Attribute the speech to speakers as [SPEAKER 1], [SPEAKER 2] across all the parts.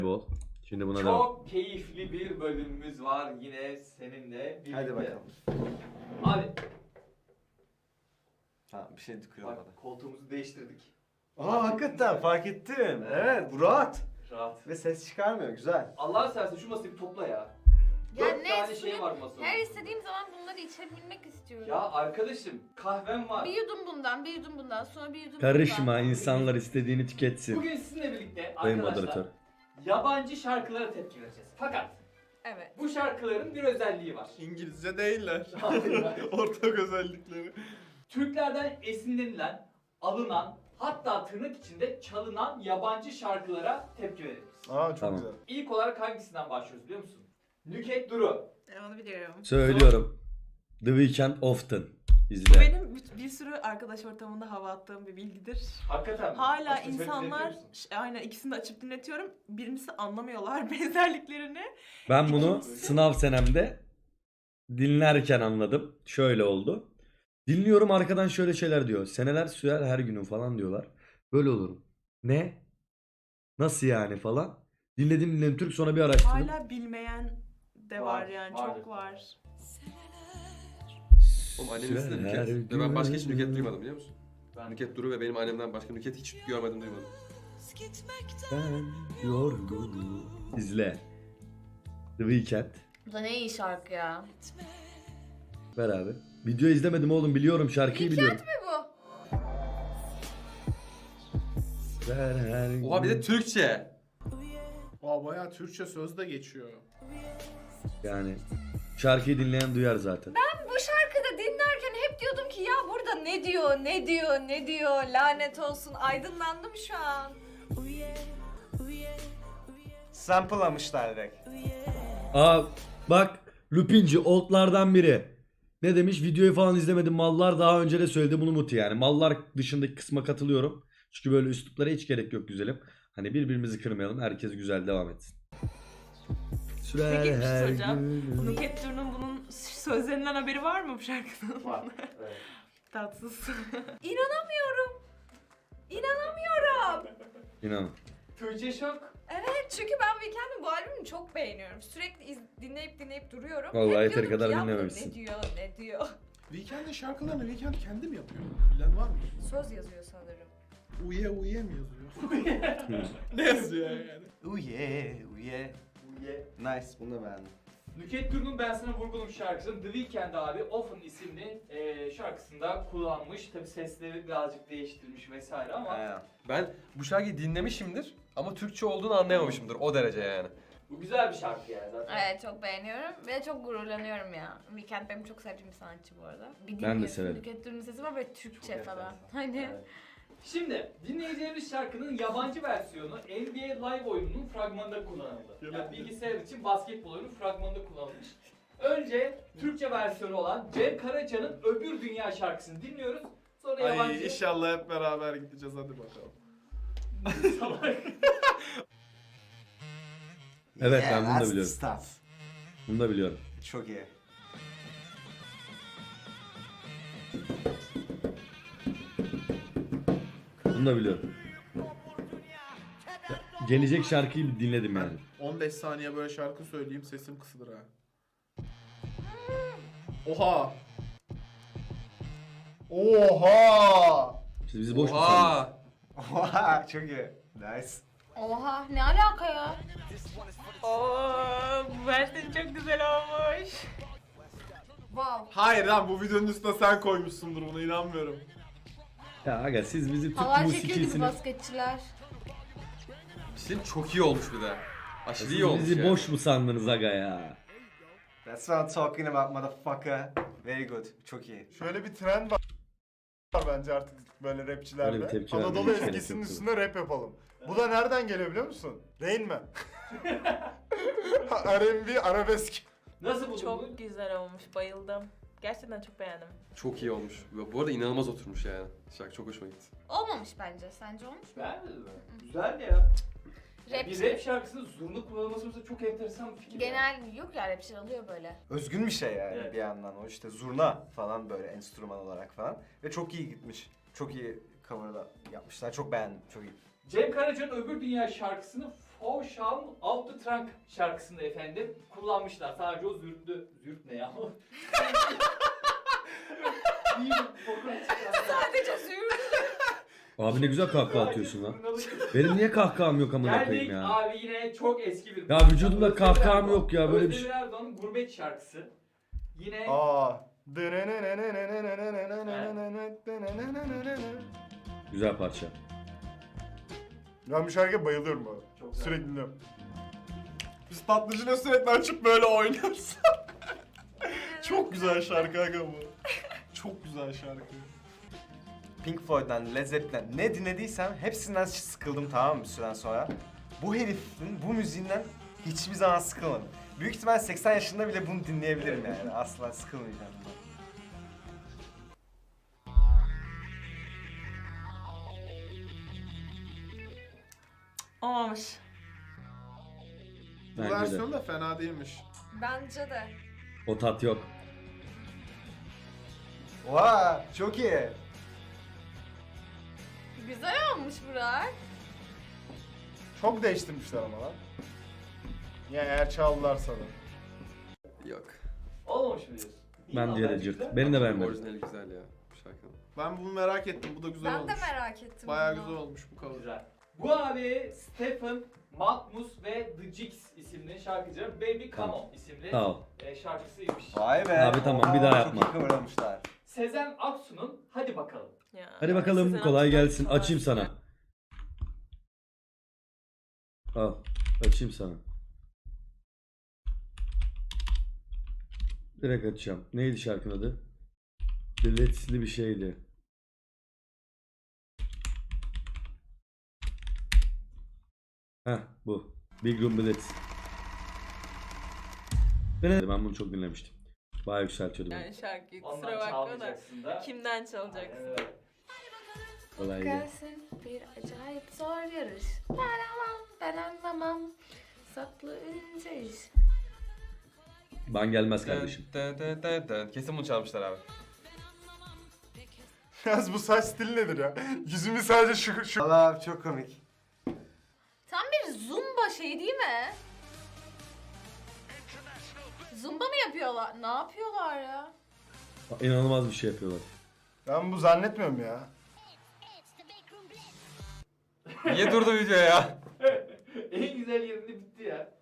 [SPEAKER 1] bol. Şimdi buna devam.
[SPEAKER 2] Çok keyifli bir bölümümüz var yine seninle birlikte.
[SPEAKER 3] Hadi bakalım.
[SPEAKER 2] Abi
[SPEAKER 3] Ha bir şey kırılmadı.
[SPEAKER 2] bak koltuğumuzu değiştirdik.
[SPEAKER 3] Aa hakikaten fark ettim. Evet bu rahat.
[SPEAKER 2] Rahat.
[SPEAKER 3] Ve ses çıkarmıyor güzel.
[SPEAKER 2] Allah seversen şu masayı bir topla ya.
[SPEAKER 4] Ya
[SPEAKER 2] 4
[SPEAKER 4] ne
[SPEAKER 2] tane
[SPEAKER 4] suyun-
[SPEAKER 2] şey var masada.
[SPEAKER 4] Her istediğim zaman bunları içebilmek istiyorum.
[SPEAKER 2] Ya arkadaşım kahvem var.
[SPEAKER 4] Bir yudum bundan, bir yudum bundan, sonra bir yudum
[SPEAKER 1] Karışma,
[SPEAKER 4] bundan.
[SPEAKER 1] insanlar istediğini tüketsin.
[SPEAKER 2] Bugün sizinle birlikte
[SPEAKER 1] Sayın
[SPEAKER 2] arkadaşlar
[SPEAKER 1] moderatör.
[SPEAKER 2] yabancı şarkılara tepki vereceğiz. Fakat
[SPEAKER 4] Evet.
[SPEAKER 2] bu şarkıların bir özelliği var.
[SPEAKER 5] İngilizce değiller.
[SPEAKER 2] Hayır, hayır.
[SPEAKER 5] Ortak özellikleri.
[SPEAKER 2] Türklerden esinlenilen, alınan, hatta tırnak içinde çalınan yabancı şarkılara tepki veririz.
[SPEAKER 5] Aa çok
[SPEAKER 1] Tamam.
[SPEAKER 5] güzel.
[SPEAKER 2] İlk olarak hangisinden başlıyoruz biliyor musun? Nüket Duru.
[SPEAKER 6] Onu biliyorum.
[SPEAKER 1] Söylüyorum. The Weeknd Often.
[SPEAKER 6] Bu
[SPEAKER 1] İzle.
[SPEAKER 6] benim bir sürü arkadaş ortamında hava attığım bir bilgidir.
[SPEAKER 2] Hakikaten mi?
[SPEAKER 6] Hala
[SPEAKER 2] Açıp dinletiyor
[SPEAKER 6] insanlar,
[SPEAKER 2] musun?
[SPEAKER 6] aynen ikisini de açıp dinletiyorum. Birincisi anlamıyorlar benzerliklerini.
[SPEAKER 1] Ben bunu sınav senemde dinlerken anladım. Şöyle oldu. Dinliyorum arkadan şöyle şeyler diyor. Seneler sürer her günün falan diyorlar. Böyle olurum. Ne? Nasıl yani falan. Dinledim Türk sonra bir araştırdım.
[SPEAKER 6] Hala bilmeyen de var yani
[SPEAKER 2] vardır.
[SPEAKER 6] çok var.
[SPEAKER 7] Oğlum annemin ismi de
[SPEAKER 1] Sürer
[SPEAKER 7] Nüket. Ve ben başka hiç Nüket
[SPEAKER 1] gün.
[SPEAKER 7] duymadım biliyor musun?
[SPEAKER 2] Ben
[SPEAKER 7] Nüket Duru ve benim annemden başka Nüket hiç görmedim duymadım.
[SPEAKER 1] Ben yorgunum. İzle. The Weeknd.
[SPEAKER 4] Bu da ne iyi şarkı ya.
[SPEAKER 1] Ver abi. Video izlemedim oğlum biliyorum şarkıyı biliyorum.
[SPEAKER 4] Ne bu?
[SPEAKER 1] Ver her
[SPEAKER 7] Oha bir de
[SPEAKER 1] gün.
[SPEAKER 7] Türkçe.
[SPEAKER 5] Aa bayağı Türkçe söz de geçiyor.
[SPEAKER 1] Yani şarkıyı dinleyen duyar zaten.
[SPEAKER 4] Bu şarkıda dinlerken hep diyordum ki ya burada ne diyor, ne diyor, ne diyor, lanet olsun. Aydınlandım şu an.
[SPEAKER 3] Sample'lamışlar direkt.
[SPEAKER 1] Aa bak Lupinci oldlardan biri. Ne demiş? Videoyu falan izlemedim. Mallar daha önce de söyledi bunu Muti yani. Mallar dışındaki kısma katılıyorum. Çünkü böyle üsluplara hiç gerek yok güzelim. Hani birbirimizi kırmayalım. Herkes güzel devam etsin. Sürer
[SPEAKER 6] Peki bir şey
[SPEAKER 1] her
[SPEAKER 6] soracağım.
[SPEAKER 1] gün.
[SPEAKER 6] Nüket Duru'nun bunun sözlerinden haberi var mı bu şarkının?
[SPEAKER 2] var. Evet.
[SPEAKER 6] Tatsız.
[SPEAKER 4] İnanamıyorum. İnanamıyorum.
[SPEAKER 1] İnanın.
[SPEAKER 2] Türkçe şok.
[SPEAKER 4] Evet çünkü ben Weeknd'in bu albümünü çok beğeniyorum. Sürekli dinleyip duruyorum.
[SPEAKER 1] Vallahi
[SPEAKER 4] Hep
[SPEAKER 1] yeteri
[SPEAKER 4] diyordum
[SPEAKER 1] kadar
[SPEAKER 4] ki, ya bu
[SPEAKER 1] dinlememişsin.
[SPEAKER 4] Ne diyor, ne diyor.
[SPEAKER 5] Weekend'in şarkılarını Weekend kendi mi yapıyor? Bilen var mı?
[SPEAKER 4] Söz yazıyor sanırım.
[SPEAKER 5] Uye uye mi yazıyor? Ne yazıyor yani?
[SPEAKER 3] Uye uye.
[SPEAKER 2] Ye.
[SPEAKER 3] Nice bunu da beğendim.
[SPEAKER 2] Nüket Duru'nun Ben Sana Vurgunum şarkısını The Weeknd abi Often isimli şarkısında kullanmış. Tabi sesleri birazcık değiştirmiş vesaire ama
[SPEAKER 3] Aynen.
[SPEAKER 7] Ben bu şarkıyı dinlemişimdir ama Türkçe olduğunu anlayamamışımdır o derece yani.
[SPEAKER 2] bu güzel bir şarkı yani zaten.
[SPEAKER 4] Evet çok beğeniyorum ve çok gururlanıyorum ya. Weeknd benim çok sevdiğim bir sanatçı bu arada. Bir
[SPEAKER 1] Ben de
[SPEAKER 4] dinliyorsun,
[SPEAKER 1] severim.
[SPEAKER 4] Nüket Duru'nun sesi var ve Türkçe
[SPEAKER 2] Çok
[SPEAKER 4] falan.
[SPEAKER 2] enteresan.
[SPEAKER 4] Hani
[SPEAKER 2] Evet. Şimdi dinleyeceğimiz şarkının yabancı versiyonu NBA Live oyununun fragmanında kullanıldı. Yani bilgisayar için basketbol oyunu fragmanında kullanılmış. Önce Türkçe versiyonu olan Cem Karaca'nın Öbür Dünya şarkısını dinliyoruz. Sonra yabancı...
[SPEAKER 5] Ay inşallah hep beraber gideceğiz hadi bakalım.
[SPEAKER 2] Salak.
[SPEAKER 1] Evet, ben bunu da
[SPEAKER 3] that's the
[SPEAKER 1] biliyorum.
[SPEAKER 3] stuff.
[SPEAKER 1] Bunu da biliyorum.
[SPEAKER 3] Çok iyi.
[SPEAKER 1] Bunu da biliyorum. Gelecek şarkıyı bir dinledim yani.
[SPEAKER 5] 15 saniye böyle şarkı söyleyeyim sesim kısılır ha. Oha! Oha!
[SPEAKER 1] İşte bizi boş mu sandınız?
[SPEAKER 7] Oha!
[SPEAKER 3] Oha çok iyi. Nice.
[SPEAKER 4] oha ne alaka ya?
[SPEAKER 6] Oo, bu versiyon çok güzel olmuş.
[SPEAKER 4] Wow.
[SPEAKER 5] Hayır lan bu videonun üstüne sen koymuşsundur buna inanmıyorum.
[SPEAKER 1] Ya aga siz bizi Türk
[SPEAKER 4] Halay çekiyor gibi
[SPEAKER 1] musikisini...
[SPEAKER 4] basketçiler.
[SPEAKER 7] Bizim çok iyi olmuş bir de. Aşırı
[SPEAKER 1] Siz
[SPEAKER 7] iyi olmuş
[SPEAKER 1] bizi
[SPEAKER 7] yani.
[SPEAKER 1] boş mu sandınız aga ya?
[SPEAKER 3] That's what I'm talking about motherfucker. Very good. Çok iyi.
[SPEAKER 5] Şöyle bir trend var bence artık böyle rapçilerde.
[SPEAKER 1] Öyle bir tepki
[SPEAKER 5] Anadolu
[SPEAKER 1] vermeye hiç
[SPEAKER 5] ezgisinin
[SPEAKER 1] gerek yok
[SPEAKER 5] üstüne rap yapalım. Bu da nereden geliyor biliyor musun? Rain Man. R&B arabesk.
[SPEAKER 2] Nasıl buldun bunu?
[SPEAKER 6] Çok güzel olmuş, bayıldım. Gerçekten çok beğendim.
[SPEAKER 7] Çok iyi olmuş. Bu arada inanılmaz oturmuş yani. Şarkı çok hoşuma gitti.
[SPEAKER 4] Olmamış bence. Sence olmuş mu?
[SPEAKER 2] Beğenmedin mi? Güzel ya.
[SPEAKER 4] Rap.
[SPEAKER 2] Bir rap şarkısının zurna kullanılması mesela çok enteresan bir fikir.
[SPEAKER 4] Genel yok ya rapçiler alıyor böyle.
[SPEAKER 3] Özgün bir şey yani
[SPEAKER 2] Evet.
[SPEAKER 3] bir yandan o işte zurna falan böyle enstrüman olarak falan ve çok iyi gitmiş. Çok iyi cover'da yapmışlar. Çok beğendim. Çok iyi.
[SPEAKER 2] Cem Karaca'nın Öbür Dünya şarkısını Tauschau'n Out the Trunk şarkısında efendim kullanmışlar. Sadece o zürt ne ya?
[SPEAKER 4] Sadece züğürt.
[SPEAKER 1] Abi ne güzel kahkaha atıyorsun lan. Benim niye kahkaham yok amına koyayım
[SPEAKER 2] Geldik
[SPEAKER 1] ya.
[SPEAKER 2] abi yine çok eski bir...
[SPEAKER 1] Ya vücudumda kahkaham yok ya, böyle bir şey.
[SPEAKER 2] Özdemir Erdoğan'ın Gurbet şarkısı. Yine...
[SPEAKER 3] Aa.
[SPEAKER 1] Güzel parça.
[SPEAKER 5] Ben bu şarkıya bayılıyorum bu arada.
[SPEAKER 2] Çok güzel.
[SPEAKER 5] Sürekli dinliyorum. Biz tatlıcıyla sürekli açıp böyle oynuyoruz. Çok güzel şarkı aga bu. Çok güzel şarkı.
[SPEAKER 3] Pink Floyd'dan, Led Zeppelin'den ne dinlediysem hepsinden sıkıldım, tamam mı bir süren sonra. Bu herifin bu müziğinden hiçbir zaman sıkılmadım. Büyük ihtimal 80 yaşında bile bunu dinleyebilirim yani. Asla sıkılmayacağım bundan.
[SPEAKER 6] Olmamış.
[SPEAKER 5] Bu
[SPEAKER 1] Bence de.
[SPEAKER 5] versiyon da fena değilmiş.
[SPEAKER 4] Bence de.
[SPEAKER 1] O tat yok.
[SPEAKER 3] Oha, çok iyi.
[SPEAKER 4] Güzel olmuş Burak.
[SPEAKER 5] Çok değiştirmişler ama lan. Ya eğer çaldılarsa da.
[SPEAKER 7] Yok.
[SPEAKER 2] Olmamış mı diyorsun? İyi
[SPEAKER 1] Ben
[SPEAKER 2] lan,
[SPEAKER 1] diğeri
[SPEAKER 2] bence
[SPEAKER 1] cırt.
[SPEAKER 2] güzel.
[SPEAKER 1] Beni de beğenmedim.
[SPEAKER 7] Orijinali güzel ya bu şarkının.
[SPEAKER 5] Ben bunu merak ettim. Bu da güzel
[SPEAKER 4] Ben
[SPEAKER 5] olmuş.
[SPEAKER 4] de merak ettim.
[SPEAKER 5] Bayağı
[SPEAKER 4] bunu.
[SPEAKER 5] güzel olmuş bu cover.
[SPEAKER 2] Güzel. Bu abi Stephen Matmus ve The Jigs isimli şarkıcının Baby Come On isimli
[SPEAKER 1] Sağ ol.
[SPEAKER 2] şarkısıymış.
[SPEAKER 3] Vay be.
[SPEAKER 1] Abi tamam, bir daha yapma.
[SPEAKER 3] Çok iyi kıvırmışlar.
[SPEAKER 2] Sezen Aksu'nun Hadi Bakalım.
[SPEAKER 6] Ya.
[SPEAKER 1] Hadi bakalım,
[SPEAKER 6] Sezen
[SPEAKER 1] kolay
[SPEAKER 6] Aksu'dan
[SPEAKER 1] gelsin.
[SPEAKER 6] kolay.
[SPEAKER 1] Açayım sana. Al. Açayım sana. Direkt açacağım. Neydi şarkının adı? Biletli bir şeydi. Heh, bu. Big Room Blitz. Ben bunu çok dinlemiştim. Bayağı yükseltiyordu beni.
[SPEAKER 6] Yani şarkıyı
[SPEAKER 2] Ondan
[SPEAKER 6] kusura bakma da.
[SPEAKER 2] çalmayacaksın da.
[SPEAKER 6] Kimden çalacaksın?
[SPEAKER 2] Evet.
[SPEAKER 1] Kolay gelsin.
[SPEAKER 8] Gelsin bir acayip zor yarış. Ben anlamam. Saklı ince iş.
[SPEAKER 1] Ben gelmez kardeşim.
[SPEAKER 7] Kesin bunu çalmışlar abi.
[SPEAKER 5] Yalnız bu saç stili nedir ya? Yüzümü sadece şu...
[SPEAKER 3] Allah abi çok komik.
[SPEAKER 4] Tam bir zumba şeyi değil mi? Zumba mı yapıyorlar? Ne yapıyorlar ya?
[SPEAKER 1] İnanılmaz bir şey yapıyorlar.
[SPEAKER 5] Ben bu zannetmiyorum ya.
[SPEAKER 7] Niye durdu video ya?
[SPEAKER 2] En güzel yerinde bitti ya.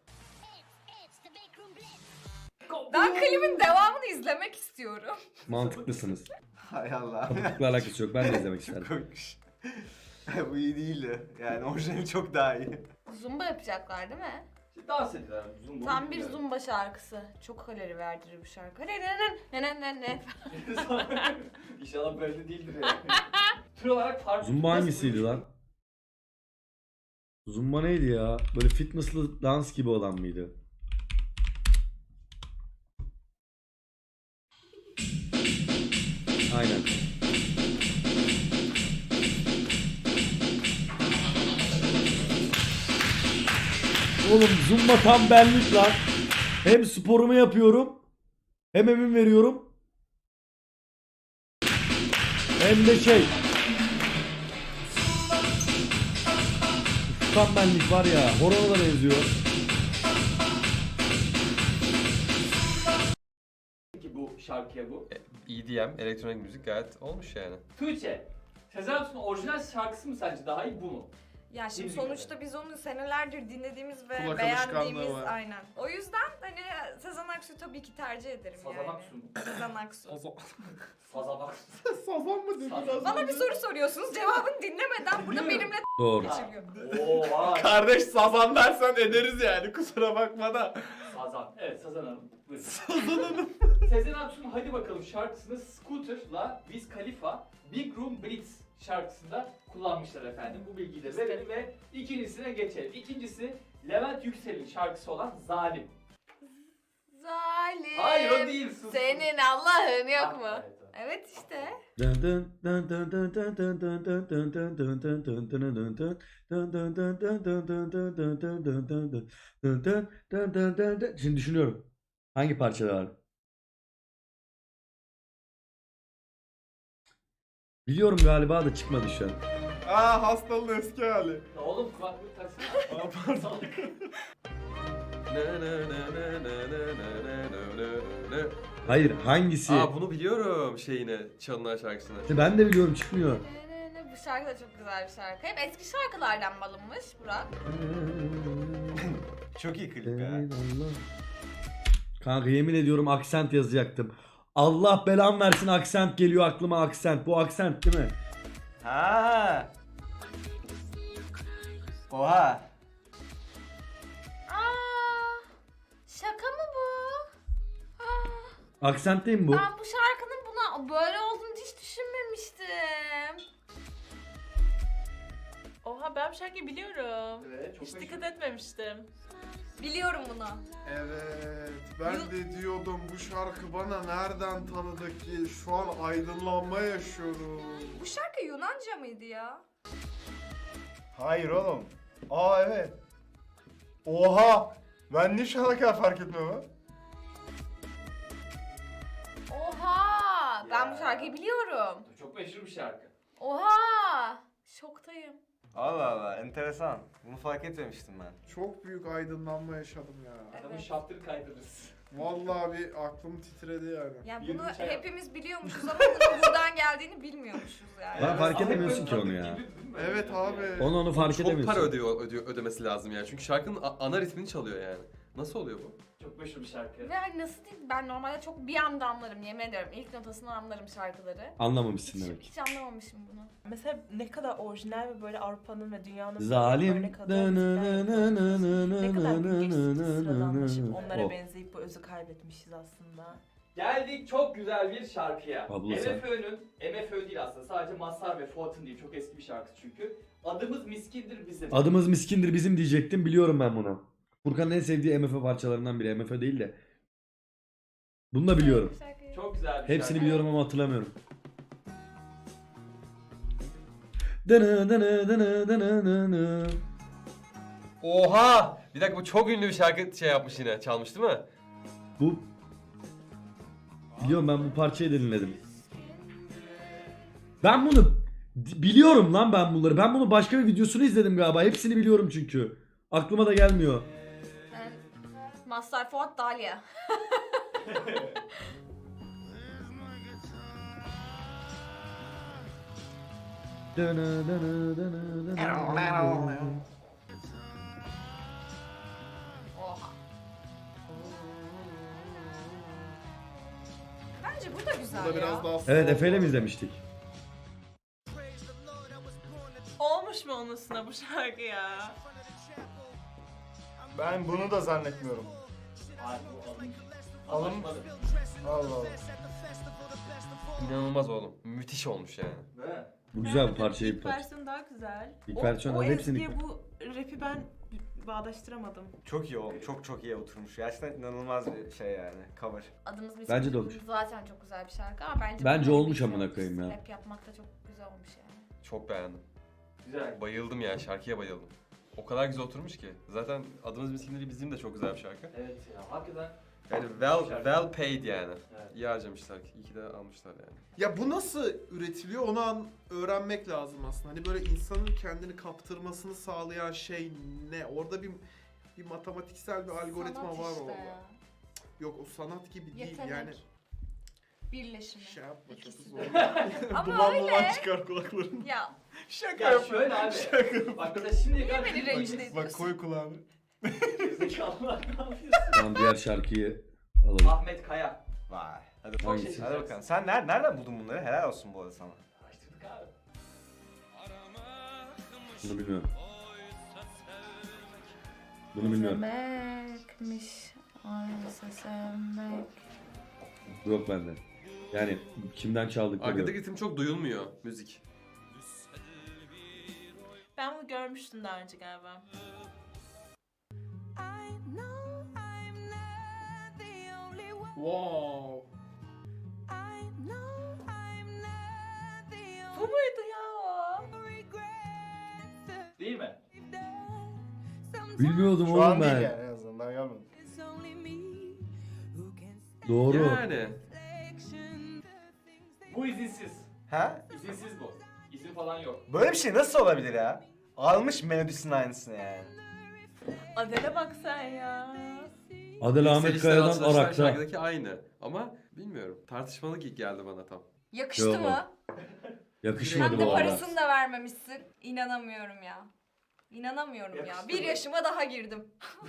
[SPEAKER 4] Ben klibin devamını izlemek istiyorum.
[SPEAKER 1] Mantıklısınız.
[SPEAKER 3] Hay Allah.
[SPEAKER 1] Sapıklıkla alakası yok. Ben de izlemek
[SPEAKER 3] Çok
[SPEAKER 1] isterdim.
[SPEAKER 3] komikmiş. Bu iyi değildi. Yani orijinali çok daha iyi.
[SPEAKER 4] Zumba yapacaklar değil mi?
[SPEAKER 2] İşte dans ediyorlar. Zumba
[SPEAKER 4] Tam bir zumba şarkısı. Çok kalori verdiriyor bu şarkı. Ne.
[SPEAKER 2] İnşallah böyle değildir yani. Tür olarak farklı.
[SPEAKER 1] Zumba hangisiydi lan? Zumba neydi ya? Böyle fitnesslı dans gibi olan mıydı? Aynen. Oğlum zumba tam benlik lan. Hem sporumu yapıyorum, hem emin veriyorum. Hem de şey. Tam benlik var ya, horona da benziyor.
[SPEAKER 2] Ki bu şarkıya bu.
[SPEAKER 7] EDM, elektronik müzik gayet olmuş yani.
[SPEAKER 2] Tuğçe. Sezen Aksu'nun orijinal şarkısı mı sence daha iyi bu mu?
[SPEAKER 4] Ya şimdi
[SPEAKER 2] Müzik
[SPEAKER 4] sonuçta biz onu senelerdir dinlediğimiz ve
[SPEAKER 5] Kulak
[SPEAKER 4] beğendiğimiz
[SPEAKER 5] alışkanlığı var.
[SPEAKER 4] aynen. O yüzden hani Sezen Aksu'yu tabii ki tercih ederim
[SPEAKER 2] Sezen
[SPEAKER 4] yani.
[SPEAKER 2] Aksu mu?
[SPEAKER 4] Sezen Aksu.
[SPEAKER 2] Sazan Aksu.
[SPEAKER 5] Sazan mı dedi
[SPEAKER 2] Sazan.
[SPEAKER 5] biraz
[SPEAKER 4] Bana
[SPEAKER 5] önce?
[SPEAKER 4] bir soru soruyorsunuz, cevabını dinlemeden burada
[SPEAKER 2] Biliyorum.
[SPEAKER 4] benimle
[SPEAKER 1] Doğru.
[SPEAKER 4] geçiriyor.
[SPEAKER 2] Oo vay.
[SPEAKER 5] Kardeş sazan dersen ederiz yani, kusura bakma da.
[SPEAKER 2] Sazan. Evet Sazan Hanım. Buyurun. Sazan Hanım. Sezen Aksu'nun Hadi Bakalım şarkısını Scooter'la Wiz Khalifa Big Room Blitz şarkısında kullanmışlar efendim. Bu bilgiyi de verelim ve ikincisine geçelim. İkincisi Levent Yüksel'in şarkısı olan Zalim.
[SPEAKER 4] Zalim.
[SPEAKER 2] Hayır o değil. Sus.
[SPEAKER 4] Senin Allah'ın yok
[SPEAKER 2] Ah,
[SPEAKER 4] mu?
[SPEAKER 2] evet, evet.
[SPEAKER 4] Evet işte.
[SPEAKER 1] Şimdi düşünüyorum. Hangi parçada var? Biliyorum galiba da çıkmadı şu an.
[SPEAKER 5] Aa hastalığın eski hali.
[SPEAKER 2] Ya oğlum kulaklık taksana.
[SPEAKER 5] Aa pardon.
[SPEAKER 1] Hayır hangisi?
[SPEAKER 7] Aa bunu biliyorum şeyini, çalınan şarkısını.
[SPEAKER 1] Ben de biliyorum çıkmıyor.
[SPEAKER 4] Bu şarkı da çok güzel bir şarkı. Hep eski şarkılardan alınmış Burak.
[SPEAKER 3] Çok iyi klip ya.
[SPEAKER 1] Allah. Kanka yemin ediyorum aksent yazacaktım. Allah belam versin aksent geliyor aklıma aksent. Bu aksent değil mi?
[SPEAKER 3] Ha. Oha.
[SPEAKER 4] Aa, şaka mı bu? Aa,
[SPEAKER 1] Aksent değil mi bu?
[SPEAKER 4] ben bu şarkının buna böyle olduğunu hiç düşünmemiştim.
[SPEAKER 6] Oha ben bu şarkıyı biliyorum.
[SPEAKER 2] Evet, çok
[SPEAKER 6] Hiç
[SPEAKER 2] meşhur.
[SPEAKER 6] dikkat etmemiştim.
[SPEAKER 4] Biliyorum bunu.
[SPEAKER 5] Evet, ben de diyordum bu şarkı bana nereden tanıdık ki? Şu an aydınlanma yaşıyorum.
[SPEAKER 4] Bu şarkı Yunanca mıydı ya?
[SPEAKER 3] Hayır oğlum.
[SPEAKER 5] Aa evet. Oha! Ben niye şu ana kadar fark etmiyorum?
[SPEAKER 4] Oha! Ben
[SPEAKER 2] Ya.
[SPEAKER 4] bu şarkıyı biliyorum.
[SPEAKER 2] Çok meşhur bir şarkı.
[SPEAKER 4] Oha! Şoktayım.
[SPEAKER 3] Allah Allah enteresan. Bunu fark etmemiştim ben.
[SPEAKER 5] Çok büyük aydınlanma yaşadım ya.
[SPEAKER 2] Adamın
[SPEAKER 4] Evet.
[SPEAKER 2] şaptırı kaydırırız.
[SPEAKER 5] Vallahi bir aklım titredi yani.
[SPEAKER 4] Yani
[SPEAKER 2] Yirmi
[SPEAKER 4] bunu
[SPEAKER 2] çay
[SPEAKER 4] hepimiz biliyormuşuz ama bunun buradan geldiğini bilmiyormuşuz yani.
[SPEAKER 1] Ben fark
[SPEAKER 2] Ahmet
[SPEAKER 1] edemiyorsun ki
[SPEAKER 2] Bey
[SPEAKER 1] onu ya.
[SPEAKER 2] gibi değil mi?
[SPEAKER 5] Evet abi.
[SPEAKER 1] Onu fark
[SPEAKER 7] Çok
[SPEAKER 1] edemiyorsun.
[SPEAKER 7] para ödemesi lazım yani. Çünkü şarkının ana ritmini çalıyor yani. Nasıl oluyor bu?
[SPEAKER 2] Çok meşhur bir şarkı.
[SPEAKER 4] Ve hani nasıl diyeyim, ben normalde çok bir anda anlarım, yemin ediyorum. İlk notasını anlarım şarkıları.
[SPEAKER 1] Anlamamışsın
[SPEAKER 4] Hiç,
[SPEAKER 1] demek.
[SPEAKER 4] hiç anlamamışım bunu.
[SPEAKER 6] Mesela ne kadar orijinal ve böyle Avrupa'nın ve dünyanın
[SPEAKER 1] Zalim.
[SPEAKER 6] örnek aldığı müzikler yapıyormuşuz. Ne kadar gün geçti sıradanlaşıp onlara
[SPEAKER 1] O.
[SPEAKER 6] benzeyip bu özü kaybetmişiz aslında.
[SPEAKER 2] Geldik çok güzel bir şarkıya.
[SPEAKER 1] Abla sen.
[SPEAKER 2] MFÖ değil aslında, sadece Mazhar ve Fuat'ın değil, çok eski bir şarkı çünkü. Adımız miskindir bizim.
[SPEAKER 1] Adımız miskindir bizim diyecektim biliyorum ben bunu. Furkan'ın en sevdiği MF parçalarından biri. MF değil de. Bunu da biliyorum.
[SPEAKER 4] Bu şarkıyı-
[SPEAKER 2] Çok güzel bir
[SPEAKER 1] Hepsini
[SPEAKER 2] şarkı.
[SPEAKER 1] biliyorum ama hatırlamıyorum. Dını dını dını dını dını.
[SPEAKER 7] Oha! Bir dakika bu çok ünlü bir şarkı şey yapmış yine. Çalmış değil mi?
[SPEAKER 1] Bu biliyorum ben bu parçayı da dinledim. Ben bunu biliyorum lan ben bunları. Ben bunu başka bir videosunu izledim galiba. Hepsini biliyorum çünkü. Aklıma da gelmiyor.
[SPEAKER 4] Yani, Mazhar Fuat Dalya.
[SPEAKER 1] Dını dını dını dını dını.
[SPEAKER 4] Oha. Bence bu da güzel
[SPEAKER 5] Bu da
[SPEAKER 4] ya.
[SPEAKER 5] biraz daha
[SPEAKER 1] Evet Efe'yle mi izlemiştik?
[SPEAKER 6] Olmuş mu onun üstüne bu şarkı ya?
[SPEAKER 5] Ben bunu da zannetmiyorum.
[SPEAKER 2] Hayır, bu alınmış.
[SPEAKER 5] Alın-
[SPEAKER 2] Anlaşmadı.
[SPEAKER 5] Allah Allah.
[SPEAKER 7] İnanılmaz oğlum. Müthiş olmuş yani.
[SPEAKER 2] Değil mi?
[SPEAKER 1] Bu güzel bir
[SPEAKER 6] Evet,
[SPEAKER 1] parçayı
[SPEAKER 6] ilk
[SPEAKER 1] bir parça.
[SPEAKER 6] versiyonu daha güzel.
[SPEAKER 1] İlk versiyonu
[SPEAKER 6] o
[SPEAKER 1] hepsini-
[SPEAKER 6] ezgiye bu rapi ben bağdaştıramadım.
[SPEAKER 3] Çok iyi oğlum. Çok iyi oturmuş. Gerçekten inanılmaz bir şey yani. Cover.
[SPEAKER 4] Adımız miskin.
[SPEAKER 1] Bence de olmuş.
[SPEAKER 4] Zaten çok güzel bir şarkı ama bence...
[SPEAKER 1] Bence
[SPEAKER 4] bunu
[SPEAKER 1] olmuş
[SPEAKER 4] rap
[SPEAKER 1] amına koyayım ya.
[SPEAKER 4] Rap yapmak da çok güzel olmuş yani.
[SPEAKER 7] Çok beğendim.
[SPEAKER 2] Güzel.
[SPEAKER 7] Bayıldım yani şarkıya bayıldım. O kadar güzel oturmuş ki. Zaten Adımız Miskindir bizim de çok güzel bir şarkı.
[SPEAKER 2] Evet ya, hakikaten.
[SPEAKER 7] Yani well paid yani.
[SPEAKER 2] Evet.
[SPEAKER 7] İyi harcamışlar. İyi ki de almışlar yani.
[SPEAKER 5] Ya bu nasıl üretiliyor onu öğrenmek lazım aslında. Hani böyle insanın kendini kaptırmasını sağlayan şey ne? Orada bir matematiksel bir algoritma
[SPEAKER 4] Sanat
[SPEAKER 5] var
[SPEAKER 4] işte
[SPEAKER 5] orada.
[SPEAKER 4] ya.
[SPEAKER 5] Yok o sanat gibi değil
[SPEAKER 4] Yetenek.
[SPEAKER 5] yani.
[SPEAKER 4] Birleşimi.
[SPEAKER 5] Şey yapma çok
[SPEAKER 4] İkisi
[SPEAKER 5] zor.
[SPEAKER 4] de. Ama
[SPEAKER 5] Duman
[SPEAKER 4] öyle.
[SPEAKER 5] duman çıkar kulakların.
[SPEAKER 4] Ya
[SPEAKER 5] Şaka
[SPEAKER 2] Ya
[SPEAKER 5] yapma.
[SPEAKER 2] şöyle abi.
[SPEAKER 5] Şaka
[SPEAKER 2] Bak mesela şimdiye
[SPEAKER 4] niye
[SPEAKER 2] kadar
[SPEAKER 4] beni rencide ediyorsun?
[SPEAKER 5] Bak koy kulağını.
[SPEAKER 2] Zekalılar ne yapıyorsun?
[SPEAKER 1] Tamam diğer şarkıyı alalım.
[SPEAKER 2] Ahmet Kaya.
[SPEAKER 3] Vay. Hadi
[SPEAKER 2] Çok
[SPEAKER 3] bakalım.
[SPEAKER 2] şaşırtıcı.
[SPEAKER 3] Hadi bakalım. Sen nereden buldun bunları? Helal olsun bu arada sana.
[SPEAKER 2] Araştırdık abi.
[SPEAKER 1] Bunu bilmiyorum. Bunu bilmiyorum.
[SPEAKER 8] Sevmekmiş, oysa sevmek.
[SPEAKER 1] Yok bende. Yani kimden çaldıkları yok.
[SPEAKER 7] Arkadaki ritim çok duyulmuyor müzik.
[SPEAKER 6] Ben bunu görmüştüm daha önce galiba.
[SPEAKER 5] Wow.
[SPEAKER 6] Bu muydu ya o?
[SPEAKER 2] Değil mi?
[SPEAKER 1] Bilmiyordum
[SPEAKER 5] Şu
[SPEAKER 1] oğlum
[SPEAKER 5] an değil
[SPEAKER 1] ben.
[SPEAKER 5] yani en azından daha gelmedim.
[SPEAKER 1] Doğru.
[SPEAKER 7] Yani.
[SPEAKER 2] Bu izinsiz.
[SPEAKER 3] Ha?
[SPEAKER 2] İzinsiz bu. İzin falan yok.
[SPEAKER 3] Böyle bir şey nasıl olabilir ya? Almış melodisinin aynısını yani.
[SPEAKER 6] Adele bak sen ya.
[SPEAKER 1] Adel Ahmet
[SPEAKER 7] Yükselişler,
[SPEAKER 1] Kaya'dan
[SPEAKER 7] alçalışlar
[SPEAKER 1] Arak'ta.
[SPEAKER 7] şarkıdaki aynı. Ama bilmiyorum. Tartışmalı geldi bana tam.
[SPEAKER 4] Yakıştı
[SPEAKER 1] Yo.
[SPEAKER 4] mı?
[SPEAKER 1] Yakışmadı
[SPEAKER 4] Hem de
[SPEAKER 1] bu arada.
[SPEAKER 4] parasını da vermemişsin. İnanamıyorum ya. İnanamıyorum ya.
[SPEAKER 2] Yakıştı
[SPEAKER 4] Bir
[SPEAKER 2] mı?
[SPEAKER 4] yaşıma daha girdim.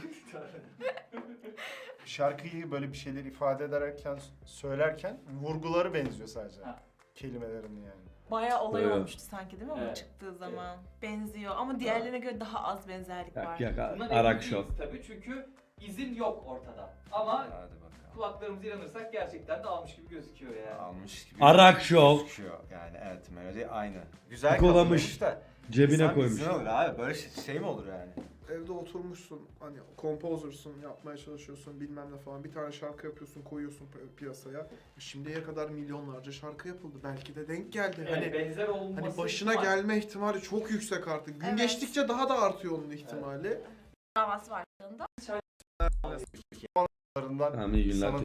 [SPEAKER 9] Şarkıyı böyle bir şeyler ifade ederken, söylerken vurguları benziyor sadece.
[SPEAKER 2] Ha.
[SPEAKER 9] Kelimelerin yani.
[SPEAKER 6] Bayağı olay
[SPEAKER 1] Evet.
[SPEAKER 6] olmuştu sanki değil mi bu
[SPEAKER 2] Evet.
[SPEAKER 6] çıktığı zaman? Benziyor ama diğerlerine göre daha az benzerlik var.
[SPEAKER 1] Yak yak
[SPEAKER 2] Bundan
[SPEAKER 1] Arak
[SPEAKER 2] emin
[SPEAKER 1] Show.
[SPEAKER 2] değiliz tabii çünkü izin yok ortada. Ama
[SPEAKER 3] Hadi bakalım.
[SPEAKER 2] kulaklarımıza inanırsak gerçekten de almış gibi gözüküyor yani.
[SPEAKER 3] Almış gibi
[SPEAKER 1] Arak Show.
[SPEAKER 3] gözüküyor. Yani evet melodi aynı. Güzel
[SPEAKER 1] Kokolamış.
[SPEAKER 3] kapatılmış da.
[SPEAKER 1] Cebine
[SPEAKER 3] insan
[SPEAKER 1] koymuş.
[SPEAKER 3] bilsin olur abi böyle şey mi olur yani?
[SPEAKER 5] Evde oturmuşsun, hani composer'sın, yapmaya çalışıyorsun bilmem ne falan. Bir tane şarkı yapıyorsun, koyuyorsun piyasaya. Şimdiye kadar milyonlarca şarkı yapıldı. Belki de denk geldi.
[SPEAKER 2] Evet,
[SPEAKER 5] Hani
[SPEAKER 2] benzer olması
[SPEAKER 5] hani başına
[SPEAKER 2] ihtimal.
[SPEAKER 5] gelme ihtimali çok yüksek artık. Gün
[SPEAKER 4] Evet.
[SPEAKER 5] geçtikçe daha da artıyor onun ihtimali.
[SPEAKER 6] Davası var.
[SPEAKER 9] Onlarından
[SPEAKER 1] Tamam iyi günler.
[SPEAKER 9] sana